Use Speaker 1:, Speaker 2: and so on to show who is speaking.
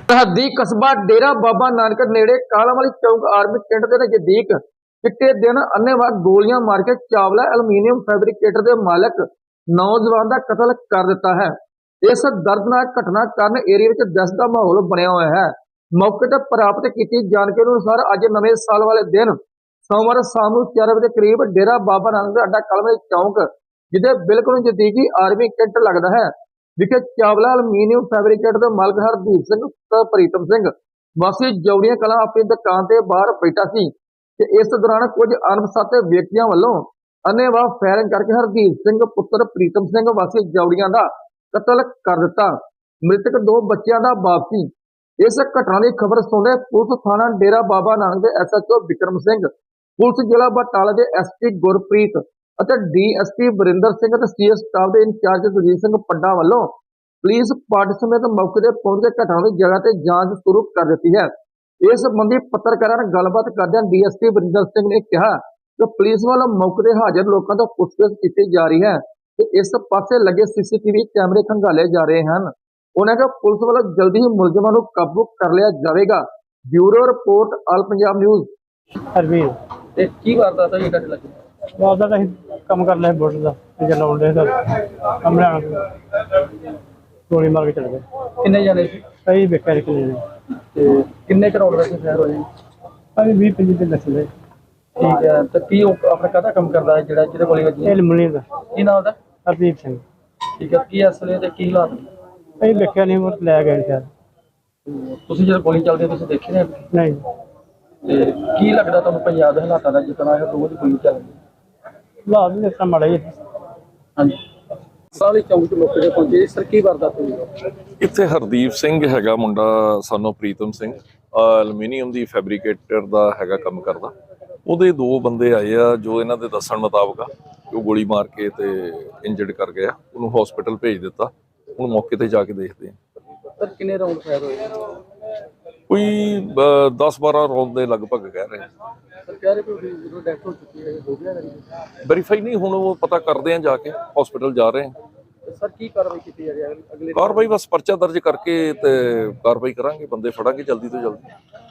Speaker 1: ਸਰਹੱਦੀ ਕਸਬਾ ਡੇਰਾ ਬਾਬਾ ਨਾਨਕ ਨੇੜੇ ਕਾਲਾਂਵਾਲੀ ਚੌਂਕ ਆਰਮੀ ਕੈਂਟ ਦੇ ਨਜ਼ਦੀਕ ਚਿੱਟੇ ਦਿਨ ਅੰਨ੍ਹੇਵਾਹ ਗੋਲੀਆਂ ਮਾਰ ਕੇ ਚਾਵਲਾ ਐਲੂਮੀਨੀਅਮ ਫੈਬਰਿਕੇਟਰ ਦੇ ਮਾਲਕ ਨੌਜਵਾਨ ਦਾ ਕਤਲ ਕਰ ਦਿੱਤਾ ਹੈ। ਇਸ ਦਰਦਨਾਕ ਘਟਨਾ ਕਾਰਨ ਏਰੀਆ ਵਿੱਚ ਦਹਿਸ਼ਤ ਦਾ ਮਾਹੌਲ ਬਣਿਆ ਹੋਇਆ ਹੈ। ਮੌਕੇ ਤੇ ਪ੍ਰਾਪਤ ਕੀਤੀ ਜਾਣਕਾਰੀ ਅਨੁਸਾਰ ਅੱਜ ਨਵੇਂ ਸਾਲ ਵਾਲੇ ਦਿਨ ਸੋਮਵਾਰ ਸ਼ਾਮ ਨੂੰ 4 ਵਜੇ ਕਰੀਬ ਡੇਰਾ ਬਾਬਾ ਨਾਨਕ ਦਾ ਅੱਡਾ ਕਾਲਾਂਵਾਲੀ ਚੌਂਕ ਜਿਹਦੇ ਬਿਲਕੁਲ ਨਜ਼ਦੀਕੀ ਆਰਮੀ ਕੈਂਟ ਲੱਗਦਾ ਹੈ ਵਿਖੇ ਚਾਵਲਾ ਐਲੂਮੀਨੀਅਮ ਫੈਬਰਿਕੇਟਰ ਦੇ ਮਾਲਕ ਹਰਦੀਪ ਸਿੰਘ ਪੁੱਤਰ ਪ੍ਰੀਤਮ ਸਿੰਘ ਵਾਸੀ ਜੌੜੀਆਂ ਕਲਾਂ ਆਪਣੀ ਦੁਕਾਨ ਤੇ ਬਾਹਰ ਬੈਠਾ ਸੀ ਤੇ ਇਸ ਦੌਰਾਨ ਕੁਝ ਅਣਪਛਾਤੇ ਵਿਅਕਤੀਆਂ ਵੱਲੋਂ ਅੰਨ੍ਹੇਵਾਹ ਫਾਇਰਿੰਗ ਕਰਕੇ ਹਰਦੀਪ ਸਿੰਘ ਪੁੱਤਰ ਪ੍ਰੀਤਮ ਸਿੰਘ ਵਾਸੀ ਜੌੜੀਆਂ ਦਾ ਕਤਲ ਕਰ ਦਿੱਤਾ। ਮ੍ਰਿਤਕ 2 ਬੱਚਿਆਂ ਦਾ ਬਾਪ ਸੀ। ਇਸ ਘਟਨਾ ਦੀ ਖਬਰ ਸੁਣਦੇ ਪੁਲਿਸ ਥਾਣਾ ਡੇਰਾ ਬਾਬਾ ਨਾਨਕ ਦੇ ਐਸਐਚਓ ਵਿਕਰਮ ਸਿੰਘ, ਪੁਲਿਸ ਜ਼ਿਲ੍ਹਾ ਬਟਾਲਾ ਦੇ ਐਸਪੀ ਗੁਰਪ੍ਰੀਤ ਅਤੇ ਡੀਐਸਪੀ ਵਰਿੰਦਰ ਸਿੰਘ ਅਤੇ ਸੀਐਸ ਸਟਾਫ ਦੇ ਇੰਚਾਰਜ ਸੁਰਜੀਤ ਸਿੰਘ ਪੱਡਾ ਵੱਲੋਂ ਪੁਲਿਸ ਪਾਰਟੀ ਸਮੇਤ ਮੌਕੇ ਤੇ ਪਹੁੰਚ ਕੇ ਘਟਨਾ ਦੀ ਜਗ੍ਹਾ ਤੇ ਜਾਂਚ ਸ਼ੁਰੂ ਕਰ ਦਿੱਤੀ ਹੈ। ਇਸ ਸੰਬੰਧੀ ਪੱਤਰਕਾਰਾਂ ਨਾਲ ਗੱਲਬਾਤ ਕਰਦਿਆਂ ਡੀਐਸਪੀ ਵਰਿੰਦਰ ਸਿੰਘ ਨੇ ਕਿਹਾ ਕਿ ਪੁਲਿਸ ਵੱਲੋਂ ਮੌਕੇ ਤੇ ਹਾਜ਼ਰ ਲੋਕਾਂ ਤੋਂ ਪੁੱਛਗਿੱਛ ਕੀਤੀ ਜਾ ਰਹੀ ਹੈ ਤੇ ਇਸ ਪਾਸੇ ਲੱਗੇ ਸੀਸੀਟੀਵੀ ਕੈਮਰੇ ਖੰਗਾਲੇ ਜਾ ਰਹੇ ਹਨ। ਉਹਨਾਂ ਕਿਹਾ ਪੁਲਿਸ ਵੱਲੋਂ ਜਲਦੀ ਹੀ ਮੁਲਜ਼ਮਾਂ ਨੂੰ ਕਾਬੂ ਕਰ ਲਿਆ ਜਾਵੇਗਾ। Bureau report all Punjab news.
Speaker 2: Harveer
Speaker 3: ਤੇ ਕੀ ਕਰਦਾ ਤਾਂ ਇਹ ਕੱਟ ਲੱਗੀ
Speaker 2: ਬਾਅਦ ਦਾ ਅਸੀਂ ਕੰਮ ਕਰ ਲਿਆ ਬੁੱਟ ਦਾ ਜੇ ਲਾਉਂਦੇ ਸਰ ਕਮਰੇ ਆਣ ਗੋਲੀ ਮਾਰ ਕੇ ਚਲੇ ਗਏ।
Speaker 3: ਕਿੰਨੇ ਜਾਣੇ ਸੀ
Speaker 2: ਅਸੀਂ ਵੇਖਿਆ ਇੱਕ ਨੇ
Speaker 3: ਤੇ ਕਿੰਨੇ ਕਰੋੜ ਦਾ ਸ਼ਹਿਰ ਹੋਏ?
Speaker 2: ਅਸੀਂ 20-25 ਦੇ ਦੱਸਦੇ।
Speaker 3: ਠੀਕ ਹੈ। ਤੇ ਕੀ ਉਹ ਆਪਣਾ ਕਾਹਦਾ ਕੰਮ ਕਰਦਾ ਹੈ ਜਿਹੜਾ ਜਿਹਦੇ ਗੋਲੀ ਵੱਜੀ?
Speaker 2: ਇਹ ਲਮਣੀ ਦਾ
Speaker 3: ਕੀ ਨਾਮ ਦਾ?
Speaker 2: ਹਰਦੀਪ ਸਿੰਘ।
Speaker 3: ਠੀਕ ਹੈ। ਕੀ ਅਸਲੇ ਤੇ ਕੀ ਹਾਲਾਤ?
Speaker 2: ਅਸੀਂ ਵੇਖਿਆ ਨਹੀਂ ਉਹ ਲੈ ਗਏ ਸ਼ਾਇਦ।
Speaker 3: ਤੁਸੀਂ ਜਦੋਂ ਗੋਲੀ ਚੱਲਦੀ ਤੁਸੀਂ ਦੇਖੇ ਨੇ?
Speaker 2: ਨਹੀਂ
Speaker 3: ਤੇ ਕੀ ਲੱਗਦਾ ਤੁਹਾਨੂੰ ਪੰਜਾਬ ਦੇ ਹਾਲਾਤਾਂ ਦਾ ਜਿੱਦਾਂ ਇਹ ਰੋਜ਼ ਗੋਲੀ ਚੱਲਦੀ?
Speaker 2: ਹਾਲਾਤ ਵੀ ਇਸ ਤਰ੍ਹਾਂ ਮਾੜੇ ਹੀ।
Speaker 3: ਹਾਂਜੀ। ਸਾਲੀ ਚੌਂਕ ਤੋਂ ਮੌਕੇ ਤੇ ਪਹੁੰਚੇ ਸਰ, ਕੀ ਵਾਰਦਾਤ ਹੋਈ?
Speaker 4: ਇੱਥੇ ਹਰਦੀਪ ਸਿੰਘ ਹੈਗਾ ਮੁੰਡਾ ਸਾਨੂੰ ਪ੍ਰੀਤਮ ਸਿੰਘ, ਐਲੂਮੀਨੀਅਮ ਦੀ ਫੈਬਰਿਕੇਟਰ ਦਾ ਹੈਗਾ ਕੰਮ ਕਰਦਾ। ਉਹਦੇ 2 ਬੰਦੇ ਆਏ ਆ ਜੋ ਇਹਨਾਂ ਦੇ ਦੱਸਣ ਮੁਤਾਬਕ ਆ ਉਹ ਗੋਲੀ ਮਾਰ ਕੇ ਤੇ ਇੰਜਰਡ ਕਰ ਗਿਆ। ਉਹਨੂੰ ਹਸਪੀਟਲ ਭੇਜ ਦਿੱਤਾ। ਹੁਣ ਮੌਕੇ ਤੇ ਜਾ ਕੇ ਦੇਖਦੇ ਆ।
Speaker 3: ਸਰ ਕਿੰਨੇ ਰਾਉਂਡ ਫਾਇਰ ਹੋਏ?
Speaker 4: ਕੋਈ 10-12 ਰੌਂਦ ਦੇ ਲਗਭਗ ਕਹਿ ਰਹੇ।
Speaker 3: ਸਰ ਕਹਿ ਰਹੇ ਕਿ ਜਦੋਂ ਡੈਥ ਹੋ ਚੁੱਕੀ ਹੈ ਹੋ ਗਿਆ
Speaker 4: ਵੈਰੀਫਾਈ ਨਹੀਂ, ਹੁਣ ਉਹ ਪਤਾ ਕਰਦੇ ਆ ਜਾ ਕੇ ਹਸਪੀਟਲ ਜਾ ਰਹੇ ਆ।
Speaker 3: ਸਰ ਕੀ ਕਾਰਵਾਈ ਕੀਤੀ ਜਾ ਰਹੀ ਹੈ ਅਗਲੇ?
Speaker 4: ਕਾਰਵਾਈ ਬਸ ਪਰਚਾ ਦਰਜ ਕਰਕੇ ਤੇ ਕਾਰਵਾਈ ਕਰਾਂਗੇ, ਬੰਦੇ ਫੜਾਂਗੇ ਜਲਦੀ ਤੋਂ ਜਲਦੀ।